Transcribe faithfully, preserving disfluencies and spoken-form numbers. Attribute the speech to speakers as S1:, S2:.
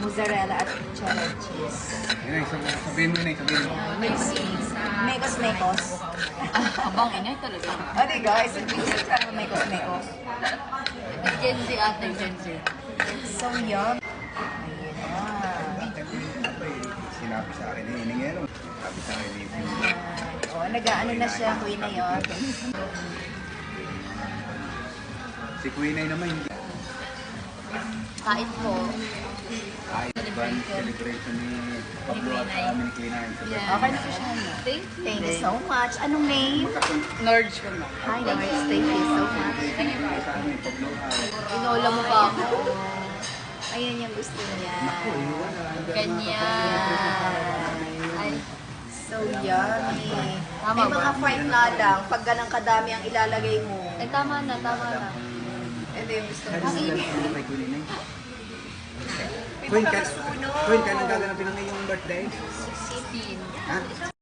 S1: mozzarella at cheddar cheese.
S2: Yun ay, sabihin sabihin mo na eh, sabihin mo.
S1: Mekos Mekos.
S3: Abang inay talaga.
S1: Ate guys, gusto ka ng Mekos Mekos.
S3: Gen Z ate, Gen Z.
S1: So yum. Ayun na.
S2: Sinabi sa akin eh, iningero. Sabi sa akin eh.
S1: Oh, nag-ano na siya, Queen na yun.
S2: Si Queen ay naman hindi.
S3: Kain po.
S2: Ay, band celebration ni Pablo at kami ni Queen ay.
S1: Okay na po siya.
S3: Thank you.
S1: Thank you so much. Anong name?
S3: Nordge ko na.
S1: Hi, Norris. Thank you so much.
S2: Sa amin, Pablo ay.
S3: Inola mo pa ako.
S1: Ayan yung gusto niya.
S3: Ganyan. Ay,
S1: So yummy.
S3: Tama
S1: May
S3: ba?
S1: mga fried nga lang. Pag ganang kadami ang ilalagay mo.
S3: ay tama na, tama na.
S1: Ito yung gusto mo.
S2: Ang init. Kay Queen ay.
S1: May
S2: Queen,
S1: mga
S2: ka,
S1: kasuno.
S2: Queen, kailan gaganapin ang iyong birthday?
S3: sixteen.
S2: Ha?